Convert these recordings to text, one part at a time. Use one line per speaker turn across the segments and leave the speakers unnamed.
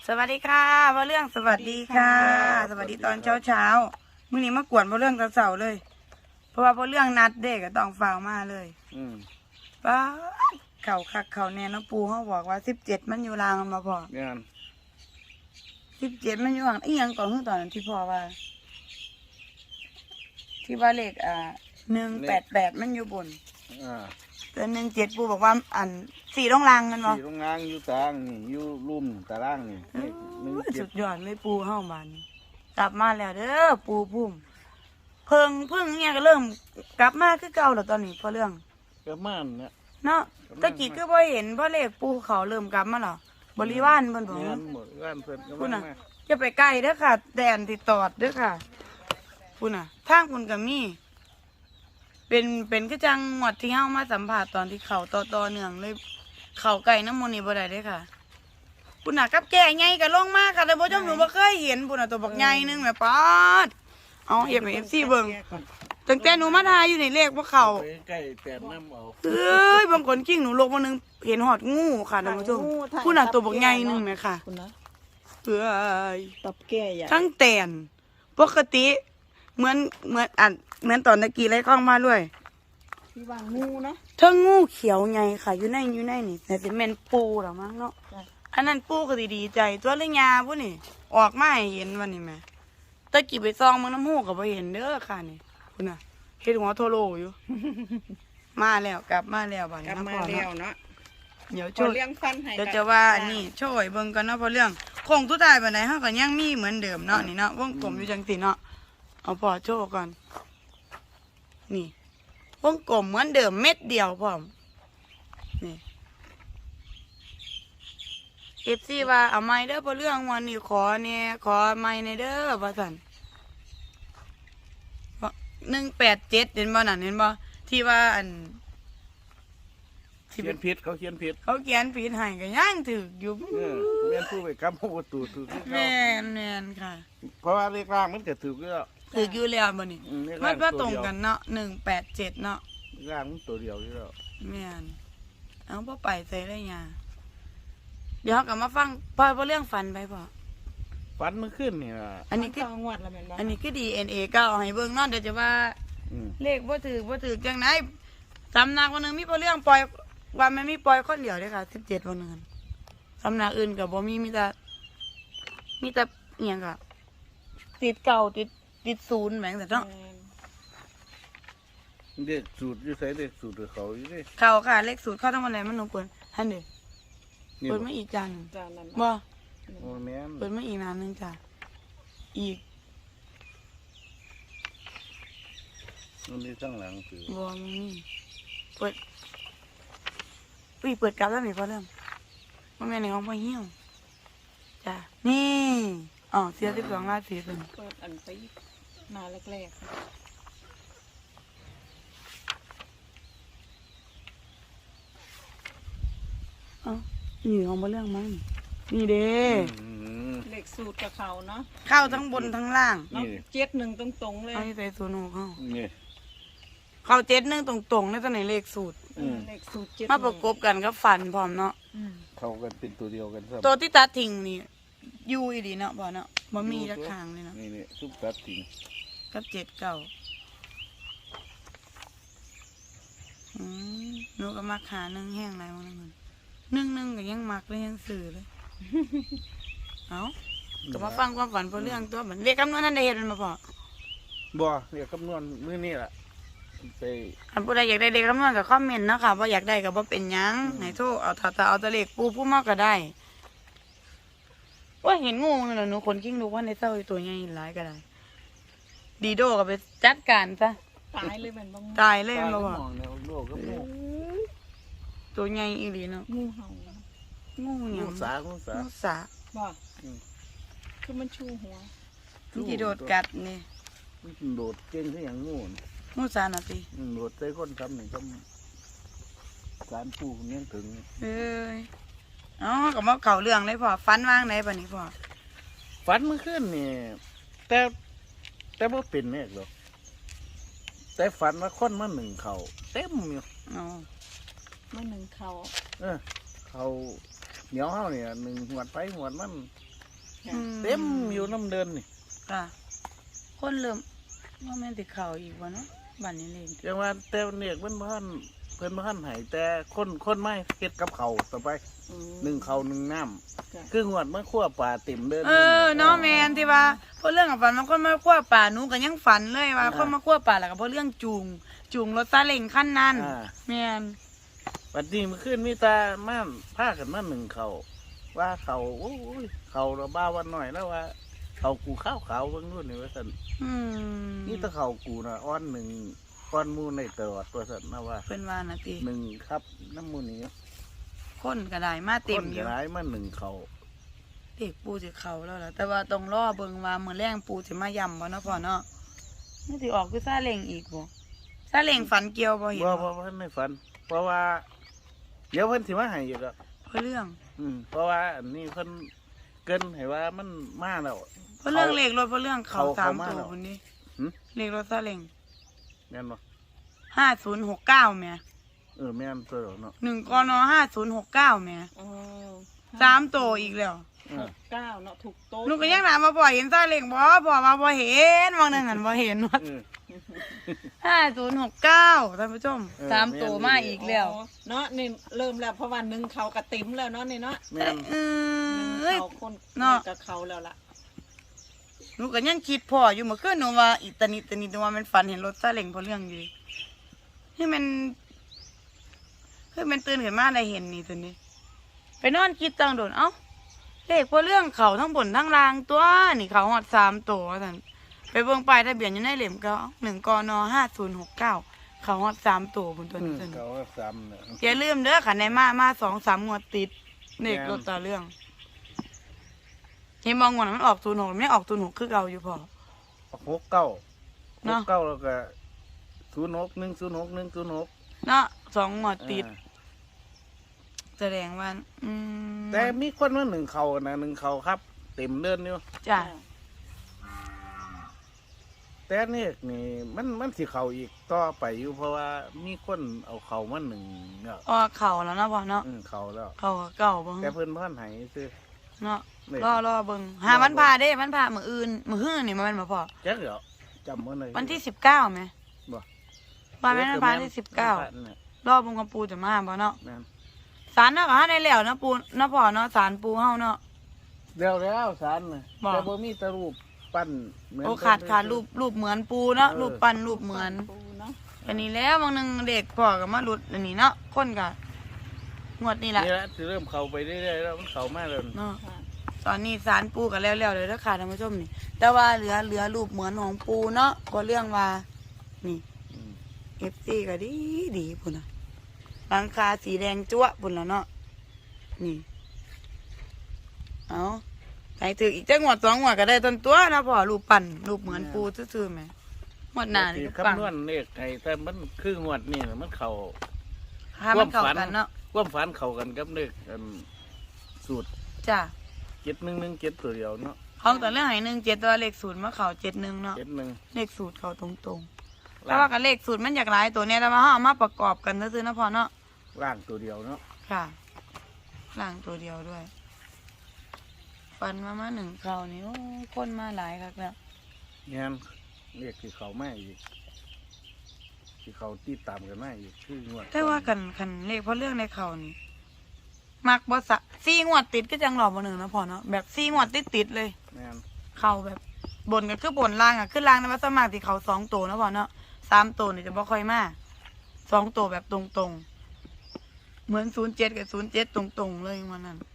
สวัสดีค่ะพ่อเรื่องสวัสดีค่ะสวัสดีตอนเช้ามื้อนี้มากวนพ่อเรื่องตอนเสาร์เลยเพราะว่าพ่อเรื่องนัดเด็กก็ต้องฝ่าวมาเลยป้าเขาคักเขาแน่น้องปูเขาบอกว่า17มันอยู่รางมาพอ17มันอยู่ห่างอีหยังก่อนคือตอนนั้นที่พ่อว่าที่ว่าเลข188มันอยู่บนแต่17ปูบอกว่าอัน4ตรงรางกันบ่
4ตรงรางอยู่ตารางนี่อยู่ลุ่มตารางนี่
สุดยอดเลยปูเฮาบ้านนี้กลับมาแล้วเด้อปูพุ่มเพิ่งเนี่ยก็เริ่มกลับมาคือเก่าแล้วตอนนี้พ่อเรื่อง
ก็ม่านนะ
เนาะตะกี้ก็บ่เห็นพ่อเลขปูเขาเริ่มกลับมาแล้วบริวารเพิ่นบอก
งานหมดงานเพิ่นก็
พุ่นน่ะ
มา
จะไปใกล้เด้อค่ะแดนติดตอดเด้อค่ะพุ่นน่ะทางพุ่นก็มีเป็นคือจังหวัดที่เฮามาสัมภาษณ์ตอนที่เขาต่อเนื่องเลยเขาไก่น้ำมนต์นี่บ่ได้เด้อค่ะพุ่นน่ะกับแก่ใหญ่ก็ลงมาค่ะแต่บ่จำหนูบ่เคยเห็นพุ่นน่ะตัวบักใหญ่นึงแม่ป๊าดเอาFC เบิ่งตั้งแต่หนูมาทายอยู่ในเลขบ่เข้า
ไปใกล้แปดน้ำเอา
เอ้ยบางคนกิ้งหนูลงมานึงเห็นหอดงูค่ะท่านผู้ชมพุ่นน่ะตัวบักใหญ่นึงแม่ค่ะเอ้ย
ตับแก่ใหญ่
ทั้งแตนปกติเหมือนตอนตะกี้ไรข้องมาด้วย
ที่วางงูนะ
ทั้งงูเขียวใหญ่ค่ะอยู่ในนี่แต่สิแม่นปูหรอมั้งเนาะอันนั้นปูก็ดีใจตัวเลี้ยงยาพวกนี่ออกมาให้เห็นวันนี้แม่ตะกี้ไปซองมึงน้ำหูก็บ่เห็นเด้อค่ะนี่คุณน่ะเฮ็ดหัวโทโลอยู่ มาแล้วกลับมาแล้วบัดนี้
กลับมาแล้วเนาะ
เดี๋ยว
เลี้ยงฟันให้
เดี๋ยวจะว่านี่ช่วยเบิ่งกันเนาะพอเรื่องคงทุกทายบัดไหนเฮาก็ยังมีเหมือนเดิมเนาะนี่เนาะวงกลมอยู่จังซี่เนาะเอาพอโชว์ก่อนนี่วงกลมเหมือนเดิมเม็ดเดียวพร้อมนี่FC ว่าเอาไม้เด้อพอเรื่องวันนี้ขอเนี่ยขอไม้ในเด้อว่าซั่น187เห็นบ่นั่นเห็นบ่ที่ว่าอัน
เขียนผิดเขาเขียนผิด
เขาเขียนผิดให้ก็ยังถูกอยู่
แม่นผู้ไปกำประตูถูก
แม่นค่ะ
เพราะว่าเลขล่างมันก็ถูกแล้ว
ถูกอยู่แล้วบ่นี่มันตรงกันเนาะ187เนาะ
ล่างมันตัวเดียวอยู่แล้ว
แม่นเอาบ่ไปใส่ได้หยังเดี๋ยวก็มาฟังพอเรื่องฝันไปพ่อ
ฝันมันขึ้นนี่ล่ะ
อันนี้คือ
งวดละแม่นบ่
อันนี้คือ DNA ก็เอาให้เบิ่งเนาะเดี๋ยวจะว่าเลขบ่ถูกจังได๋สำนักวันนึงมีพอเรื่องปล่อยว่ามันมีปล่อยคนเดียวเด้ค่ะ17วันนึงสำนักอื่นก็บ่มีแต่อีหยังก็ติดเก่าติดศูนย์แหม่งแต่เนาะ
เด็กสูตรอยู่ใส่เด็กสูตรเขาอยู่ดิ
เขาค่ะเลขสูตรเข้าทั้งหมดเลยมันหนูเปิดฮันเดเปิดมาอีกจานบ่
โอ้แม่น
เปิดมาอีกนานนึงจ้ะอีก
มันมีข้างหลังคือ
บ่มีเปิดเปิดกลับแล้วนี่พอเริ่มมันแม่ในห้องพ่อเหี้ยวจ้ะนี่อ๋อเสีย12ราศีเป็น
เปิดอันไปมาแรกๆ
นี่ของพ่อเรื่องมั้งนี่เด้
เลขสูตรกับเขาเนาะ
เข้าทั้งบนทั้งล่าง
71ตรงๆเลย
เอาใส่ศูนย์เข้านี่เขา71ตรงๆในตัวไหนเลขสูตร
เลขสูตร7
มาประกบกันก็ฝันพร้อมเนาะ
เขากันเป็นตัวเดียวกัน
ตัวที่ตัดทิ้งนี่อยู่อีดีเนาะบ่เนาะบ่มีจักทางเลยเนาะ
นี่ซุปตัดทิ้ง
กับ7 9หนูก็มักหา1แห้งหลายมื้อนึงก็ยังมักเลยยังซื้อเลยเอ้าก็มาฟังความฝันพอเรื่องตัวเหมือนเรียกคำนวณนั่นได้เฮ็ดมันมาพอ
บ่เรียกคำนวณมื้อนี้ล่ะไป
อันผู้ใดอยากได้เลขคำนวณก็คอมเมนต์เนาะค่ะว่าอยากได้ก็บ่เป็นหยังให้โทรเอาถ้าเอาแต่เลขปูผู้มาก็ได้ว่าเห็นงูนั่นน่ะหนูคนกิ้งลูกว่าในเต้าตัวใหญ่หลายก็ได้ดีโดก็ไปจัดการซะ
ตายเลยแม่นบ่
ตายเลยบ่ว่าตัวใหญ่อีหลีเนาะ
งูเห่า
งูหยัง
งูสา
บ่คือมันชูหัว
มันสิโดดกัดนี่
มันโดดเก่งคือหยังงู
สาน่ะติ
โดดใส่คนทำนี่ก็การปูนี่ถึง
เอ้ยอ๋อก็มาเข้าเรื่องเลยพ่อฝันว่างไหนบัดนี้พ่อ
ฝันมันขึ้นนี่แต่บ่เป็นแม่หรอกแต่ฝันว่าคนมาหนึ่งเขาเต็มอยู่
อ๋อ
มาหนึ่งเขา
เขาเหนียวเฮาเนี่ยหนึ่งหวดไปหวดมัน
ค่ะ
เต็มอยู่น้ำเดินนี่
ค่ะ คนเริ่มว่าแม่นติเขาอีกวะเนาะบ้านนี้เลย
จังว่าแต่เนี่ยเพิ่นบ่ทันให้แต่คนไม่เฮ็ดกับเขาวต่อไป
อืม
หนึ่งเขาวหนึ่งน้
ค่ะ
ำคืองวดมันคั่วปลาเต็มเดิน
เนาะแม่นที่ว่าเพราะเรื่องกับฝันมันคนมาคั่วป่าหนูก็ยังฝันเลยว่าคนมาคั่วป่าแล้วก็เพราะเรื่องจูงรถซาเล้งขั้นนั้น
อ่า
แม่น
บัดนี้มันขึ้นมีตาม่านพากันมาหนึ่งเขาว่าเขาโอ้ยเขาเราบ้าวันหน่อยแล้วว่า เขากูข้าวขาวเบิ่งนู่นนี่ว่าซั่น
อืม
นี่ถ้าเขากูน่ะอ้อนหนึ่งก้อนหมูในตลอดว่าซั่นนะว่า
เป็นว่านะติ
หนึ่งครับน้ำหมูนี้
คนก็ได้มาเต็
ค
ม
น
อยู่
ร้ายมาหนึ่งเขา
เด็กปูสิเขาแล้วล่ะแต่ว่าต้องรอเบิ่งว่ามื้อแรงปูสิมาย่ำบ่เนาะพ่อเนาะนี่สิออกคือซาเล้งอีกบ่ซาเล้งฝันเกี่ยวบ่เห็น
ว่า
บ่
เพิ่นในฝัน เพราะว่า เดี๋ยวเพิ่นสิมาให้อยู่แล้ว
เพราะเรื่อง
เพราะว่าอันนี้เพิ่นเกินให้ว่ามันมาแล้ว
เพราะเรื่องเลขรถเพราะเรื่องเขา
เขา
สาม
มา
ตัว
แล้ว
พุ่นนี้
หึ
เลขรถซาเล้ง
แม่นบ่
5069แม่
แม่นตัวเดียวเนาะ
1กน5069แม่
อ๋อ
3ตัวอีกแล้ว
เออ
69เนาะถูกโต๊ะ
หนูก็ยังถามมาบ่เห็นซาเล้งบ่พ่อมาบ่เห็นบางนึงหันบ่เห็นว่า
เออ
5069ท่านผู้ชม
เออ
สามตัว
แม่น
มาอีกแล้ว
อ๋อเนาะนี่เริ่มแล้วเพราะว่าหนึ่งเขากระติ๋มแล้วเนาะนี่เนาะ
แม่น
เอ
หนึ่
้ย
งเขาคน
เนาะ
กับเขาแล้วล่ะ
หนูก็ยังคิดพ่ออยู่เมื่อคืนหนูว่าอีตานิหนูว่ามันฝันเห็นรถซาเล้งเพราะเรื่องอยู่ให้มันตื่นขึ้นมาได้เห็นนี่ตัวนี้ ไปนอนคิดจังโดนเอ้าเลขเพราะเรื่องเขาทั้งบนทั้งล่างตัวนี่เขาหอด3ตัวท่านไปเบิ่งป้ายทะเบียนอยู่ในเหล่มก็1กน5069เขาหอด3ตัวบนตัวนี้ตัวนี้
เขาก็ซ้ำเนี่ย
อย่าลืมเด้อค่ะในมา2-3งวดติดเลขรถตาเรื่องเห็นบางงวดมันออก06ไม่ออก06คือเก่าอยู่พอ
69
เนาะ
69แล้วก็06106106
เนาะ2งวดติดแสดงว่า
แต่มีคนว่าหนึ่งเขานะหนึ่งเขาครับ เต็มเดินอยู่
จ้ะ
แต่เนี่ยนี่มันสิเขาอีกต่อไปอยู่เพราะว่ามีคนเอาเขามาหนึ่งเนี่ย
ออกเข่าแล้วนะพ่อเนาะ
เขาแล้ว
เข่าก็เก่าเบิ่ง
แต่เพิ่นพ่อนไหซื้อ
เนาะ
นี่
รอเบิ่งหาวันพาเด้วันพามื้ออื่นมื้อฮื้อนี่มันบ่พอ
แจ็คเหรอจำมันเลย
วันที่19แม่
บ่
วันแม่นวันพาที่19รอเบิ่งกับปูจะมาบ่เนาะ
แม่น
ศาลเนาะก็หาได้แล้วนะปูนะพ่อเนาะศาลปูเฮาเนาะ
เดี๋ยวแล้วสารน่ะ
บ่
แต่บ่มีแตะรูปปั้นเหมือน
โอ้ขาดรูปเหมือนปูเนาะรูปปั้นรูปเหมือน
ปูเนาะ
อันนี้แล้วบางนึงเด็กพ่อก็มาหลุดอันนี้เนาะคนก็งวดนี้ล่ะ
นี่แหละสิเริ่มเข้าไปเรื่อยๆแล้วมันเข้ามาแล้ว
เนาะ
ค่ะ
ตอนนี้สารปูกันแล้วๆเลยนะค่ะท่านผู้ชมนี่ แต่ว่าเหลือรูปเหมือนของปูเนาะก็เรื่องว่านี่
อืม
FC ก็ดีพุ่นน่ะหลังคาสีแดงจั๊วะพุ่นแล้วเนาะนี่เอาใส่ถืออีกจังหวัด2งวดก็ได้ต้นตัวนะพ่อรูปปั่นรูปเหมือนปูซื่อๆแหมงวดหน้านี่
สิ
ก็ปัง
คำนวณเลขให้แต่มันคืองวดนี่น่ะมันเข้า
ถ้ามันเข้ากันเนาะ
ความฝันเข้ากันกับเลขสูตร
จ้ะ
7117ตัวเดียวเนาะ
ของแต่เรื่องให้17ตัวเลข0มาเข้า71เนาะ
71
เลขสูตรเข้าตรงๆแต่ว่ากับเลขสูตรมันอยากหลายตัวเนี่ยแต่ว่าเฮาเอามาประกอบกันซื่อๆนะพ่อเนาะ
ล่างตัวเดียวเนาะ
ค่ะล่างตัวเดียวด้วย ฟันมาหนึ่งเขานี่โอ้คนมาหลายครับแล้ว
งานเรียกที่เขาไม่อีกที่เขาติดตามกันไม่อีกคืองวด
แต่ว่ากันเลขเพราะเรื่องในเขานี่มักบอสะ4 งวดติดก็จังหลอกบ่หนึ่งนะพ่อเนาะแบบ4 งวดติดเลย
งาน
เขาแบบบนก็คือบนล่างอ่ะขึ้นล่างในวัดสวนมากที่เขา2 ตัวนะพ่อเนาะ3 ตัวนี่จะบ่ค่อยมา2 ตัวแบบตรงๆเหมือน07กับ07ตรงๆเลยวันนั้น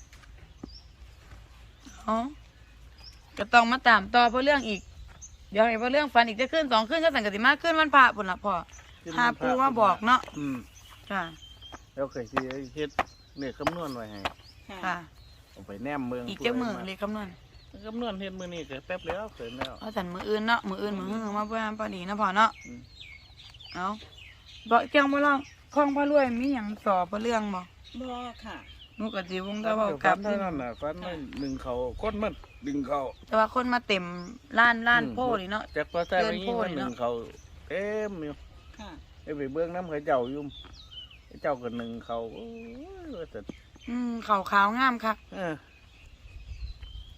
อ๋อก็ต้องมาตามต่อเพราะเรื่องอีก เดี๋ยวให้เพราะเรื่องฟันอีกจะขึ้น2 ขึ้นก็สั่งกติมาขึ้นวันพระพุ่นละพ่อหาปูมาบอกเนาะ ค่ะ
แล้วเคยที่เฮ็ดเนี่ยคำนวณไว้ให้
ค่ะ
เอาไปแนมเมือง
อีกจักมือเลยคำนวณ
คำนวณเฮ็ดมือนี่ก็แป๊บแล้วเสร็จแล้ว
เอาสันมืออื่นเนาะมืออื่นมือหื้อมาเพื่อนพอดีนะพ่อเนาะ
อืม
เอาบอกเกี่ยงบ่ล่องคล้องพระรวยมีหยังสอบเพราะเรื่องบ่
บ่ค่ะ
หนูก็สิวงแต่เว้ากับ
ฟันเท่านั้นน่ะฟันไม่ดึงเขาคนมันดึงเขา
แต่ว่าคนมาเต็มล้านโพนี่เนาะ
จากพอใส่ไปยิ่งมัน
เดินโพด
ดึ
เนาะ
งเขาเต็มอยู่
ค่ะ
ไปเบื้องน้ำเขาเจ้าอยู่เจ้าก็หนึ่งเขาโอ้ยว่าแต่
ขาวขาวงามคัก
เออ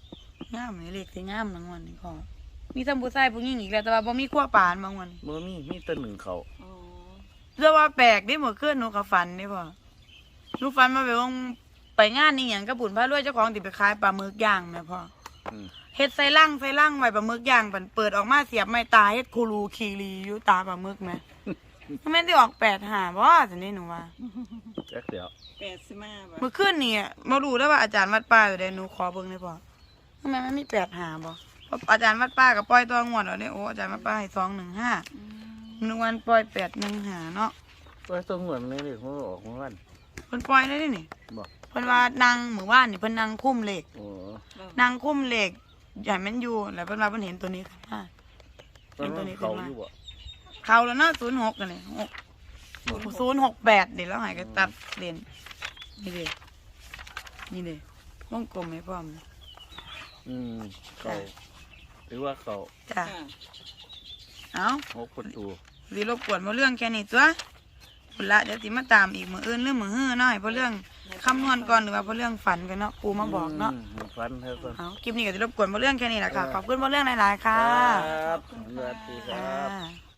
งามนี่เลขสิงามรางวัลนี่พ่อมีทั้งผู้ชายผู้หญิงอีกแล้วแต่ว่าบ่มีขั้วปานบางวัน
บ่มีแต่หนึ่งเขา
อ๋อ
เรื่องว่าแปลกเด้เมื่อคืนหนูก็ฝันเด้พ่อหนูฝันมาไปงานนี่หยังกับบุญพระรวยเจ้าของที่ไปขายปลาหมึกย่างแม่พ่อ
อืม
เฮ็ดใส่ลังไว้ปลาหมึกย่างปันเปิดออกมาเสียบไม้ตาเฮ็ดคูรูคีรีอยู่ตาปลาหมึกแม่ แม่นสิออก8-5บ่ซั่นนี่หนูว่า
จักเดี๋ยว
85บ่
เมื่อคืนนี่บ่รู้แล้วว่าอาจารย์วัดป่าอยู่ใดหนูขอเบิ่งได้พ่อทำไมมันมี8-5บ่เพราะอาจารย์วัดป่าก็ปล่อยตัวงวดแล้วเด้โอ้อาจารย์วัดป่าให้215นึกวันปล่อย815เนาะ
ว่าตัวเหมือนในเด็กมันออกมาวัน
เพิ่นปล่อยได้ดินี่
บ่
เพิ่นว่านางมื้อวานนี่เพิ่นนางคุ้มเลข
โอ้
นางคุ้มเลขใหญ่มันอยู่แล้วเพิ่นว่าเพิ่นเห็นตัวนี้ค่ะ
ตอนนั้นเขาอยู่บ่
เขาแล้วเนาะ06กันเลย068เดี๋ยวแล้วให้ก็ตัดเลนนี่เด้นี่เด้วงกลมให้พร้อม
เขาหรือว่าเขา
จ้ะ
ค่ะ
เอ้า
6ประตู
สิรบกวนบ่เรื่องแค่นี้ตัวพุ่นละเดี๋ยวสิมาตามอีกมื้ออื่นหรือมื้อฮื้อเนาะให้บ่เรื่องคำนวณก่อนหรือว่าบ่เรื่องฝันกันเนาะปู่มาบอกเนาะ
ฟันเท่ากัน
เอาคลิปนี้ก็สิรบกวนบ่เรื่องแค่นี้ล่ะค่ะขอบคุณบ่เรื่องหลายๆค่ะ
ครับสวัสดีค
อ่
รับ
า